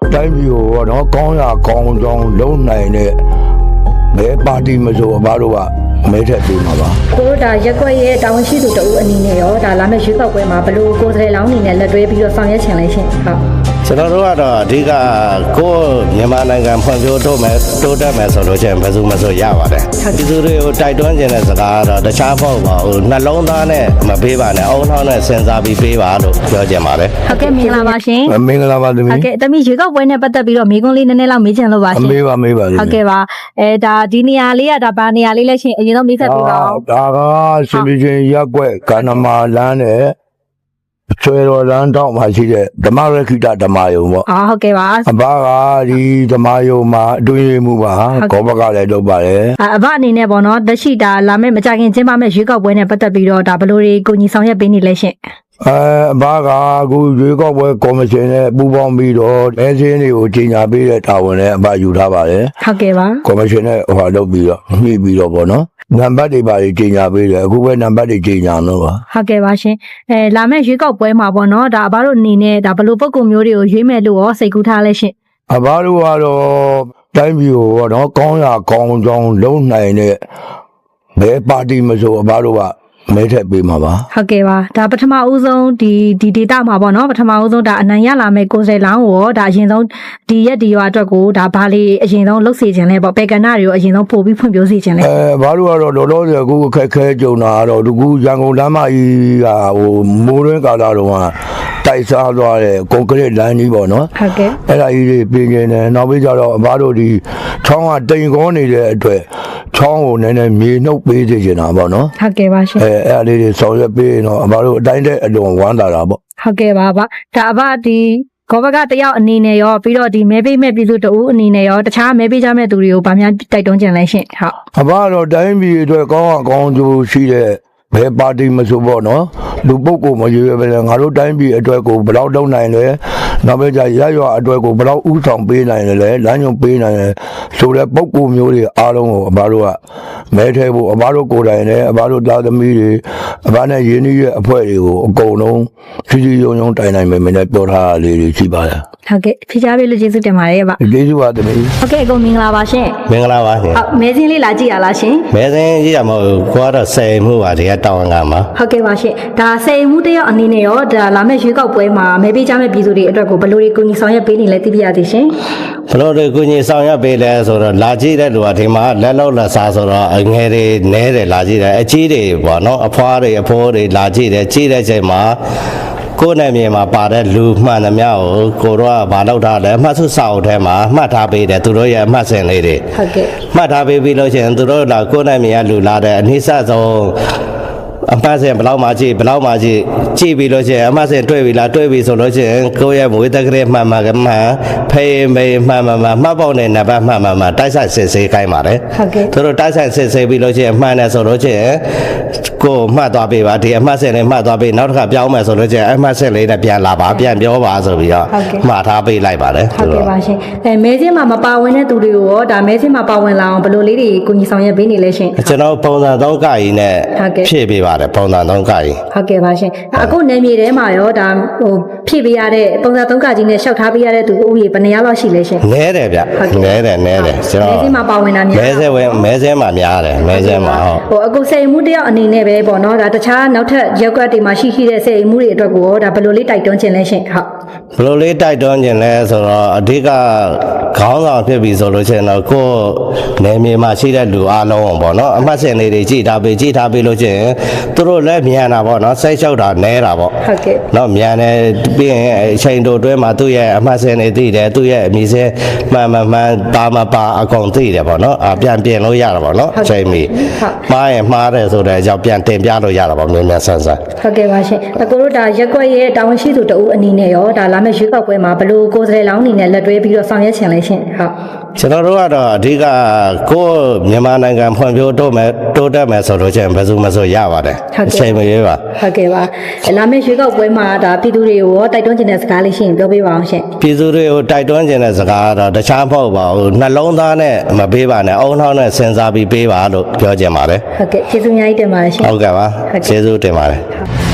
တိုင်းပြည်ကိုတော့ကောင်းရကောင်းကြောင်းလုံးနိုင်တဲ့ဘယ်ပါတီမဆိုအဘတို့ကမဲထက်ပေးမှာပါကိုတို့ဒါရက်ွက်ရဲ့တာဝန်ရှိသူတဦးအနေနဲ့ရောဒါလာမယ့်ရွေးကောက်ပွဲမှာဘယ်လိုကိုယ်စားလှယ်လောင်းအနေနဲ့လက်တွဲပြီးတော့ဆောင်ရွက်ချင်လဲရှင်ဟုတ်ကျွန်တော်တို့ကတော့အဓိကကိုမြန်မာနိုင်ငံဖွံ့ဖြိုးတိုးတက်မယ်ဆိုလို့ချင်းဘယ်သူမှဆိုရပါတယ်ဒီသူတွေကိုတိုက်တွန်းခြင်းတဲ့စကားကတော့တခြားမဟုတ်ပါဘူးနှလုံးသားနဲ့မပေးပါနဲ့အုံနောက်နဲ့စဉ်းစားပြီးပေးပါလို့ပြောချင်ပါတယ်ဟုတ်ကဲ့မင်္ဂလာပါရှင်မင်္ဂလာပါသမီးဟုတ်ကဲ့သမီးရွေးကောက်ပွဲနဲ့ပတ်သက်ပြီးတော့မိကွန်းလေးနည်းနည်းလောက်မေးချင်လို့ပါရှင်မေးပါဟုတ်ကဲ့ပါဒါဒီနေရာလေးကဒါဘာနေရာလေးလဲရှင်အရင်ဆုံးမိတ်ဆက်ပေးပါဦးဒါကရှင်ပြချင်းရက်ွက်ကန္နမာလမ်းနဲ့ဆွေတော်လမ်းတောက်မှာရှိတဲ့ဓမ္မရခိတဓမ္မယုံပေါ့ဟုတ်ကဲ့ပါအဘကဒီဓမ္မယုံမှာအတွင်းရမှုပါကောဘကလည်းလုပ်ပါတယ်အဘအနေနဲ့ပေါ့နော်တရှိတာလာမယ့်မကြခင်ကျင်းပမယ့်ရွေးကောက်ပွဲနဲ့ပတ်သက်ပြီးတော့ဒါဘယ်လိုတွေကိုညီဆောင်ရွက်ပေးနေလဲရှင်အဘကအခုရွေးကောက်ပွဲကော်မရှင်နဲ့ပူးပေါင်းပြီးတော့မဲစင်းတွေကိုကြီးညာပေးတဲ့တာဝန်နဲ့အဘယူထားပါတယ်ဟုတ်ကဲ့ပါကော်မရှင်နဲ့လုပ်ပြီးတော့ညှိပြီးတော့ပေါ့နော်နံပါတ်တွေပါကြီးညာပေးတယ်အခုပဲနံပါတ်တွေညာလို့ပါဟုတ်ကဲ့ပါရှင်လာမယ့်ရွေးကောက်ပွဲမှာပေါ့နော်ဒါအဘတို့အနေနဲ့ဒါဘယ်လိုပုံကုမျိုးတွေကိုရွေးမယ်လို့ရောစိတ်ကူးထားလဲရှင်အဘတို့ကတော့တိုင်းပြည်ကိုတော့ကောင်းရကောင်းကြောင်းလုံးနိုင်တဲ့ဘယ်ပါတီမဆိုအဘတို့ကမဲထက်ပေးမှာပါဟုတ်ကဲ့ပါဒါပထမဦးဆုံးဒီဒေတာမှာပေါ့နော်ပထမဦးဆုံးဒါအနိုင်ရလာမယ့်ကိုယ်စားလောင်းကိုဒါအရင်ဆုံးဒီရက်ဒီရွာအတွက်ကိုဒါဘာလေးအရင်ဆုံးလှုပ်စေခြင်းလဲပေါ့ပေကနာတွေကိုအရင်ဆုံးပို့ပြီးဖွင့်ပြစေခြင်းလဲဘာလို့ကတော့လောလောဆယ်အခုအခက်ခဲကြုံတာကတော့ဒီကူရန်ကုန်လမ်းမကြီးကမိုးရင်းကာလာတော့တိုက်စားသွားတဲ့ကွန်ကရစ်လမ်းကြီးပေါ့နော်ဟုတ်ကဲ့အဲ့ဒါကြီးတွေပြင်နေတယ်နောက်ပြီးကြတော့အဘတို့ဒီချောင်းကတိမ်ကောနေတဲ့အတွက်ချောင်းကိုနည်းနည်းမြေနှုတ်ပေးစေချင်တာပေါ့နော်ဟုတ်ကဲ့ပါရှင်အဲ့ဒါလေးတွေဆောင်ရွက်ပေးရင်တော့အဘတို့အတိုင်းတဲ့အလွန်ဝမ်းသာတာပေါ့ဟုတ်ကဲ့ပါဗျဒါအဘဒီကောဘကတယောက်အနေနဲ့ရောပြီးတော့ဒီမဲပေးမဲ့ပြည်သူတအူးအနေနဲ့ရောတခြားမဲပေးကြမဲ့သူတွေကိုဗာများတိုက်တွန်းကြလဲရှင်ဟုတ်အဘတော့တိုင်းပြည်အတွက်ကောင်းအောင်ကြိုးရှိတဲ့ဘယ်ပါတီမဆိုပေါ့နော်လူပုဂ္ဂိုလ်မရွေးပဲငါတို့တိုင်းပြည်အတွက်ကိုဘယ်လောက်လုပ်နိုင်လဲနောက်ပဲကြရရွာအတွက်ကိုဘယ်လောက်ဥဆောင်ပေးနိုင်လဲလမ်းညွှန်ပေးနိုင်လဲဆိုတဲ့ပုဂ္ဂိုလ်မျိုးတွေအားလုံးကိုအဘတို့ကမဲထဲဖို့အဘတို့ကိုယ်တိုင်နဲ့အဘတို့သားသမီးတွေအဘနဲ့ရင်းနှီးရဲ့အဖွဲ့တွေကိုအကုန်လုံးဖြည်းဖြည်းယုံယုံတိုင်နိုင်မယ်မင်းနဲ့ပြောထားတာလေးတွေရှိပါလားဟုတ်ကဲ့ဖြေချပေးလို့ကျေးဇူးတင်ပါတယ်ဗျကျေးဇူးပါသမီးဟုတ်ကဲ့အကုန်မင်္ဂလာပါရှင်မင်္ဂလာပါရှင်ဟုတ်မဲစင်းလေးလာကြည့်ရလားရှင်မဲစင်းကြည့်ရမဟုတ်ကိုကတော့ဆယ်မှုပါဒီကတောင်းကမှာဟုတ်ကဲ့ပါရှင်ဒါဆယ်မှုတယောက်အနေနဲ့ရောဒါလာမယ့်ရွေးကောက်ပွဲမှာမဲပေးကြမဲ့ပြည်သူတွေအတွက်ကိုဘယ်လိုတွေကိုညီဆောင်ရွက်ပေးနေလဲသိပြရသေးရှင်ဘယ်လိုတွေကိုညီဆောင်ရွက်ပေးလဲဆိုတော့လာကြည့်တဲ့လူကဒီမှာလက်လောက်လက်စားဆိုတော့ငယ်တွေနဲတယ်လာကြည့်တယ်အကြီးတွေပေါ့နော်အဖွားတွေအဖိုးတွေလာကြည့်တယ်ကြည့်တဲ့ချိန်မှာကိုယ်နဲ့မြေမှာပါတဲ့လူမှန်သမျှကိုတော့ကဘာလုပ်ထားလဲအမှတ်စုစာအုပ်ထဲမှာမှတ်ထားပေးတယ်သူတို့ရဲ့အမှတ်စဉ်လေးတွေဟုတ်ကဲ့မှတ်ထားပေးပြီးလို့ရှိရင်သူတို့ကကိုယ်နဲ့မြေကလူလာတဲ့အနည်းဆက်ဆုံးအမှတ်စဉ်ဘယ်လောက်မှကြည့်ပြီးလို့ရှိရင်အမှတ်စဉ်တွေ့ပြီလားတွေ့ပြီဆိုလို့ရှိရင်ကိုယ့်ရဲ့မွေးတက်ကလေးမှန်ဖေးမေးမှန်မှတ်ပေါက်နဲ့နံပါတ်မှန်တိုက်ဆိုင်စစ်ဆေးခိုင်းပါတယ်ဟုတ်ကဲ့သူတို့တိုက်ဆိုင်စစ်ဆေးပြီးလို့ရှိရင်မှန်တယ်ဆိုလို့ရှိရင်ကိုမှတ်သွားပေးပါဒီအမှတ်စဉ်လေးမှတ်သွားပေးနောက်တစ်ခါပြောင်းမယ်ဆိုလို့ရှိရင်အမှတ်စဉ်လေးနဲ့ပြန်လာပါပြန်ပြောပါဆိုပြီးတော့မှားထားပေးလိုက်ပါတယ်ဟုတ်ကဲ့ပါရှင်မဲစင်းမှာမပါဝင်တဲ့သူတွေကိုရောဒါမဲစင်းမှာပါဝင်လာအောင်ဘယ်လိုလေးတွေကိုညီဆောင်ရွက်ပေးနေလဲရှင်ကျွန်တော်ပုံစံ3ကကြီးနဲ့ဖြည့်ပေးပါတယ်ပုံစံ3ကကြီးဟုတ်ကဲ့ပါရှင်အခုနယ်မြေထဲမှာရောဒါဖြည့်ပေးရတဲ့ပုံစံ3ကကြီးနဲ့ရှောက်ထားပေးရတဲ့သူဥယျာဉ်ဘယ်နှယောက်လောက်ရှိလဲရှင်နဲတယ်ဗျနဲတယ်ကျွန်တော်မဲစင်းမှာပါဝင်တာများမဲစင်းမှာများတယ်မဲစင်းမှာဟုတ်အခုစိတ်မှုတယောက်အနေနဲ့ပဲပေါ့နော်ဒါတခြားနောက်ထပ်ရက်ကွက်တွေမှာရှိတဲ့စိတ်မှုတွေအတွက်ကိုဒါဘယ်လိုလေးတိုက်တွန်းခြင်းလဲရှင်ဟုတ်ဘယ်လိုလေးတိုက်တွန်းခြင်းလဲဆိုတော့အဓိကခေါင်းဆောင်ဖြစ်ပြီဆိုလို့ရှိရင်တော့ကိုယ်နယ်မြေမှာရှိတဲ့လူအားလုံးပေါ့နော်အမှတ်စဉ်လေးတွေကြည့်ထားပေးလို့ရှိရင်သူတို့လည်းမြန်တာပေါ့နော်စိတ်လျှောက်တာနဲတာပေါ့ဟုတ်ကဲ့နော်မြန်တယ်ပြီးရင်အချိန်တိုတွဲမှာသူ့ရဲ့အမှတ်စဉ်တွေသိတယ်သူ့ရဲ့အမည်စဲမှန်ပါမပါအကုန်သိတယ်ပေါ့နော်ပြန်ပြင်လို့ရတာပေါ့နော်အချိန်မီမှားရင်မှားတယ်ဆိုတဲ့အကြောင်းပြန်တင်ပြလို့ရတာပေါ့မြန်ဆန်ဟုတ်ကဲ့ပါရှင်အကိုတို့ဒါရက်ွက်ရဲ့တာဝန်ရှိသူတဦးအနေနဲ့ရောဒါလာမယ့်ရွေးကောက်ပွဲမှာဘယ်လိုကိုယ်စားလှယ်လောင်းအနေနဲ့လက်တွဲပြီးတော့ဆောင်ရွက်ချင်လဲရှင်ဟုတ်ကျွန်တော်တို့ကတော့အဓိကကိုမြန်မာနိုင်ငံဖွံ့ဖြိုးတိုးတက်မယ်ဆိုလို့ချင်းဘယ်သူမှဆိုရပါတယ်အချိန်မရွေးပါဟုတ်ကဲ့ပါလာမယ့်ရွေးကောက်ပွဲမှာဒါပြည်သူတွေကိုရောတိုက်တွန်းချင်တဲ့စကားလေးရှိရင်ပြောပေးပါအောင်ရှင်ပြည်သူတွေကိုတိုက်တွန်းချင်တဲ့စကားကတော့တခြားမဟုတ်ပါဘူးနှလုံးသားနဲ့မပေးပါနဲ့အုံနောက်နဲ့စဉ်းစားပြီးပေးပါလို့ပြောချင်ပါတယ်ဟုတ်ကဲ့ကျေးဇူးအများကြီးတင်ပါတယ်ရှင်ဟုတ်ကဲ့ပါကျေးဇူးတင်ပါတယ်